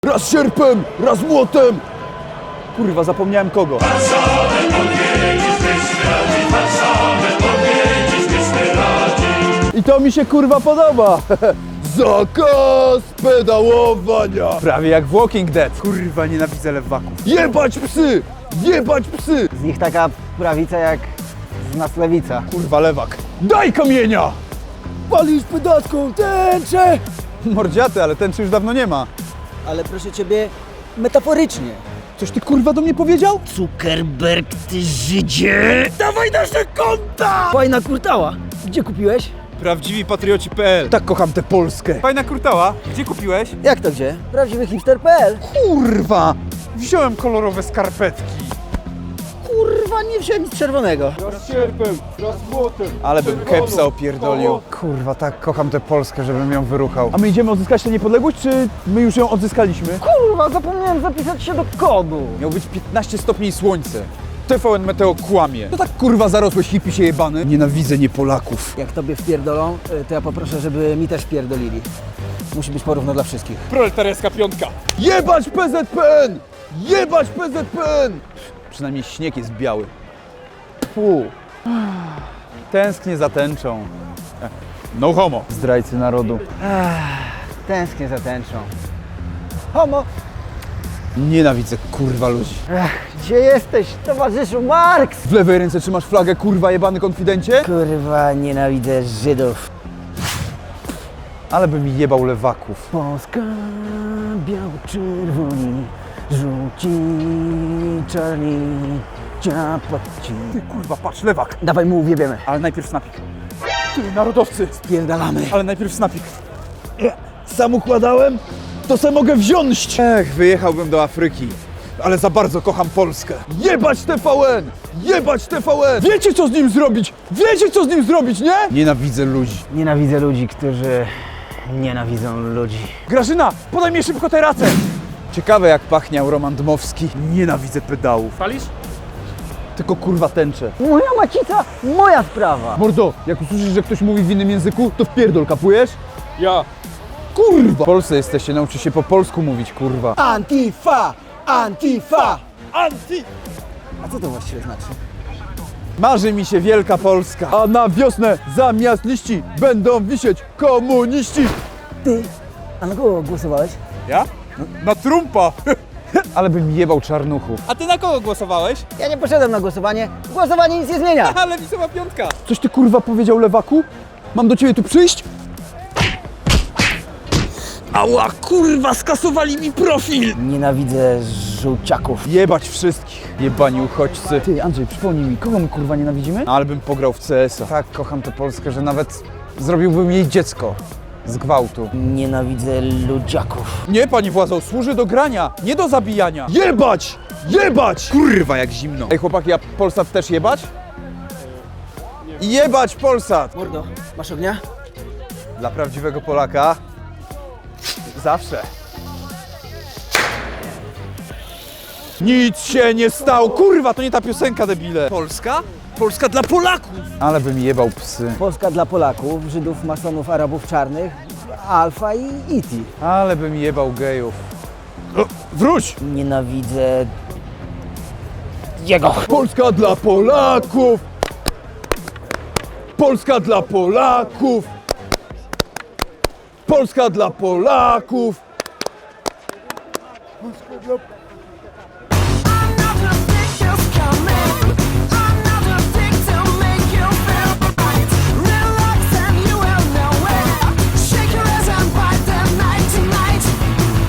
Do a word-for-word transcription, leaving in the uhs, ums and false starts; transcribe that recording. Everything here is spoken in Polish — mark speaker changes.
Speaker 1: Raz sierpem, raz młotem! Kurwa, zapomniałem kogo.
Speaker 2: Warszawę odwiedzić radzi, Warszawę odwiedzić radzi.
Speaker 1: I to mi się kurwa podoba. Zakaz pedałowania. Prawie jak w Walking Dead. Kurwa, nienawidzę lewaków. Jebać psy! Jebać psy!
Speaker 3: Z nich taka prawica jak z nas lewica.
Speaker 1: Kurwa, lewak. Daj kamienia! Palisz pedacką tęczę! Mordziaty, ale tęczy już dawno nie ma.
Speaker 3: Ale proszę ciebie, metaforycznie.
Speaker 1: Coś ty kurwa do mnie powiedział?
Speaker 3: Zuckerberg, ty Żydzie! Dawaj nasze konta! Fajna kurtała. Gdzie kupiłeś?
Speaker 1: Prawdziwi patrioci kropka p l. Tak kocham tę Polskę. Fajna kurtała. Gdzie kupiłeś?
Speaker 3: Jak to gdzie? Prawdziwy hipster kropka p l.
Speaker 1: Kurwa! Wziąłem kolorowe skarpetki.
Speaker 3: Kurwa, nie wziąłem nic czerwonego.
Speaker 1: Raz sierpem, raz młotem. Ale bym kepsa opierdolił. Kurwa, tak kocham tę Polskę, żebym ją wyruchał. A my idziemy odzyskać tę niepodległość, czy my już ją odzyskaliśmy?
Speaker 3: Kurwa, zapomniałem zapisać się do kodu.
Speaker 1: Miał być piętnaście stopni i słońce. T V N Meteo kłamie. To tak kurwa zarosłeś hippie się jebany. Nienawidzę nie Polaków.
Speaker 3: Jak tobie wpierdolą, to ja poproszę, żeby mi też wpierdolili. Musi być porówno dla wszystkich.
Speaker 1: Proletariacka piątka. Jebać P Z P N! Jebać P Z P N! Przynajmniej śnieg jest biały. Fu. Tęsknię za tęczą. No homo. Zdrajcy narodu.
Speaker 3: Tęsknię za tęczą. Homo!
Speaker 1: Nienawidzę kurwa ludzi.
Speaker 3: Ech, gdzie jesteś, towarzyszu Marks?
Speaker 1: W lewej ręce trzymasz flagę, kurwa jebany konfidencie?
Speaker 3: Kurwa, nienawidzę Żydów.
Speaker 1: Ale by mi jebał lewaków.
Speaker 3: Polska, biało-czerwoni, żółci, czarni, ciapoci.
Speaker 1: Ty kurwa, patrz, lewak.
Speaker 3: Dawaj mu uwiebiemy.
Speaker 1: Ale najpierw snapik. Ty, narodowcy.
Speaker 3: Pierdalamy.
Speaker 1: Ale najpierw snapik. Sam układałem? To se mogę wziąć. Ech, wyjechałbym do Afryki. Ale za bardzo kocham Polskę. Jebać T V N! Jebać T V N! Wiecie co z nim zrobić? Wiecie co z nim zrobić, nie? Nienawidzę ludzi.
Speaker 3: Nienawidzę ludzi, którzy nienawidzą ludzi.
Speaker 1: Grażyna, podaj mi szybko tę racę! Ciekawe jak pachniał Roman Dmowski. Nienawidzę pedałów.
Speaker 2: Palisz?
Speaker 1: Tylko kurwa tęczę.
Speaker 3: Moja macica, moja sprawa.
Speaker 1: Mordo, jak usłyszysz, że ktoś mówi w innym języku, to wpierdol, kapujesz?
Speaker 2: Ja.
Speaker 1: Kurwa! W Polsce jesteście, nauczy się po polsku mówić, kurwa.
Speaker 3: Antifa! Antifa!
Speaker 1: Anti!
Speaker 3: A co to właściwie znaczy?
Speaker 1: Marzy mi się wielka Polska. A na wiosnę zamiast liści będą wisieć komuniści.
Speaker 3: Ty, a na kogo głosowałeś?
Speaker 1: Ja? Na Trumpa. Ale bym jebał czarnuchów.
Speaker 2: A ty na kogo głosowałeś?
Speaker 3: Ja nie poszedłem na głosowanie. Głosowanie nic nie zmienia.
Speaker 2: Ale Lewicowa piątka.
Speaker 1: Coś ty kurwa powiedział lewaku? Mam do ciebie tu przyjść? Ała kurwa, skasowali mi profil!
Speaker 3: Nienawidzę żółciaków.
Speaker 1: Jebać wszystkich. Jebani uchodźcy. Ty Andrzej, przypomnij mi, kogo my kurwa nienawidzimy? Ale bym pograł w C S a. Tak kocham tę Polskę, że nawet zrobiłbym jej dziecko. Z gwałtu.
Speaker 3: Nienawidzę ludziaków.
Speaker 1: Nie, pani władzo, służy do grania, nie do zabijania. Jebać! Jebać! Kurwa, jak zimno. Ej, chłopaki, a Polsat też jebać? Jebać Polsat!
Speaker 3: Mordo, masz ognia?
Speaker 1: Dla prawdziwego Polaka zawsze. Nic się nie stało. Kurwa, to nie ta piosenka, debile. Polska? Polska dla Polaków! Ale bym jebał psy.
Speaker 3: Polska dla Polaków, Żydów, masonów, Arabów czarnych, Alfa i E T.
Speaker 1: Ale bym jebał gejów. O, wróć!
Speaker 3: Nienawidzę jego.
Speaker 1: Polska dla Polaków! Polska dla Polaków! Polska dla Polaków!